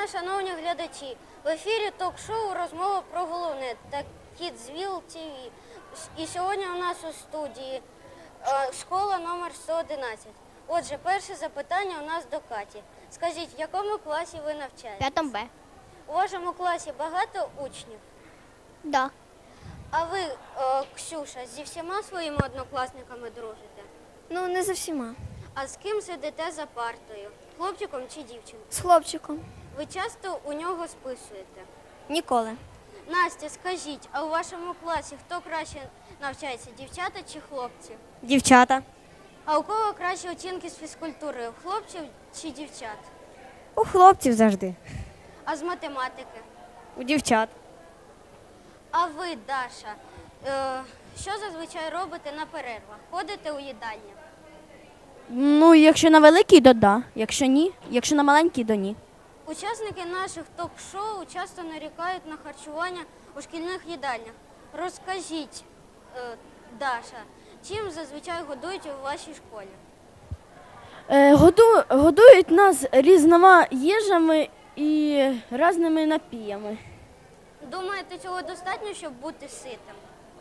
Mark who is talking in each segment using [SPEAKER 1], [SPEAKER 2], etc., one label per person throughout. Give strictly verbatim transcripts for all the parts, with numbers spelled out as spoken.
[SPEAKER 1] шановні глядачі! В ефірі ток-шоу «Розмова про головне» та Kidsville ті ві. І сьогодні у нас у студії е, школа номер сто одинадцять. Отже, перше запитання у нас до Каті. Скажіть, в якому класі ви навчаєтесь?
[SPEAKER 2] П'ятому Б.
[SPEAKER 1] У вашому класі багато учнів?
[SPEAKER 2] Да.
[SPEAKER 1] А ви, е, Ксюша, зі всіма своїми однокласниками дружите?
[SPEAKER 2] Ну, не за всіма.
[SPEAKER 1] А з ким сидите за партою? Хлопчиком чи дівчинкою?
[SPEAKER 2] З хлопчиком.
[SPEAKER 1] Ви часто у нього списуєте?
[SPEAKER 2] Ніколи.
[SPEAKER 1] Настя, скажіть, а у вашому класі хто краще навчається, дівчата чи хлопці?
[SPEAKER 2] Дівчата.
[SPEAKER 1] А у кого кращі оцінки з фізкультури, у хлопців чи дівчат?
[SPEAKER 2] У хлопців завжди.
[SPEAKER 1] А з математики?
[SPEAKER 2] У дівчат.
[SPEAKER 1] А ви, Даша, е, що зазвичай робите на перервах? Ходите у їдальню?
[SPEAKER 3] Ну, якщо на великий, то да. Якщо ні, якщо на маленький, то ні.
[SPEAKER 1] Учасники наших ток-шоу часто нарікають на харчування у шкільних їдальнях. Розкажіть, е, Даша, чим зазвичай годують у вашій школі?
[SPEAKER 3] Е, году, годують нас різними їжами і різними напіями.
[SPEAKER 1] Думаєте, цього достатньо, щоб бути ситим?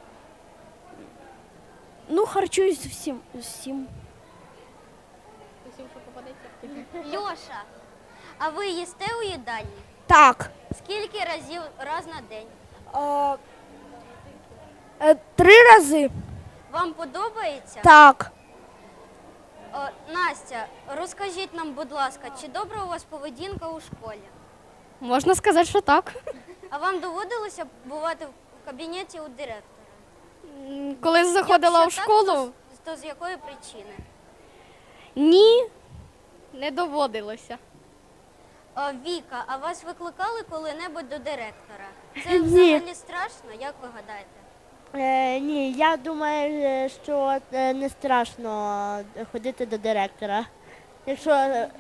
[SPEAKER 3] Ну, харчуюсь всім. всім.
[SPEAKER 1] Льоша, а ви їсте у їдальні?
[SPEAKER 3] Так.
[SPEAKER 1] Скільки разів раз на день?
[SPEAKER 3] Е, е, три рази.
[SPEAKER 1] Вам подобається?
[SPEAKER 3] Так.
[SPEAKER 1] О, Настя, розкажіть нам, будь ласка, чи добра у вас поведінка у школі?
[SPEAKER 2] Можна сказати, що так.
[SPEAKER 1] А вам доводилося бувати в кабінеті у директора?
[SPEAKER 2] Коли заходила
[SPEAKER 1] Якщо
[SPEAKER 2] в
[SPEAKER 1] так,
[SPEAKER 2] школу,
[SPEAKER 1] то, то з якої причини?
[SPEAKER 3] Ні.
[SPEAKER 2] не доводилося.
[SPEAKER 1] О, Віка, а вас викликали коли-небудь до директора? Це
[SPEAKER 4] Ні.
[SPEAKER 1] взагалі страшно, як ви гадаєте?
[SPEAKER 4] Е, ні, я думаю, е, що е, не страшно ходити до директора. Якщо е,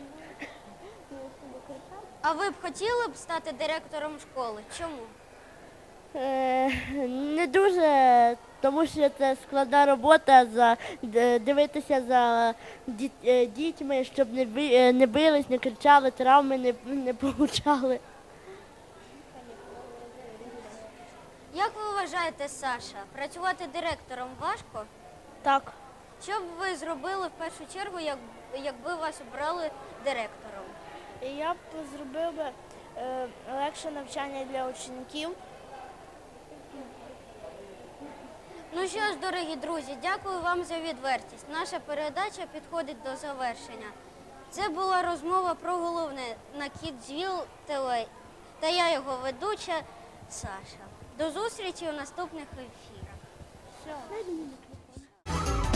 [SPEAKER 1] А ви б хотіли б стати директором школи? Чому?
[SPEAKER 4] е, не дуже, тому що це складна робота за д- дивитися за діт- е, дітьми, щоб не би- е, не бились, не кричали, травми не, не получали.
[SPEAKER 1] Як ви вважаєте, Саша, працювати директором важко?
[SPEAKER 4] Так.
[SPEAKER 1] Що б ви зробили в першу чергу, як, якби вас обрали директором?
[SPEAKER 4] Я б зробив би е, легше навчання для учнів.
[SPEAKER 1] Ну що ж, дорогі друзі, дякую вам за відвертість. Наша передача підходить до завершення. Це була розмова про головне на Kidsville ті ві. Та я його ведуча Саша. До зустрічі у наступних ефірах.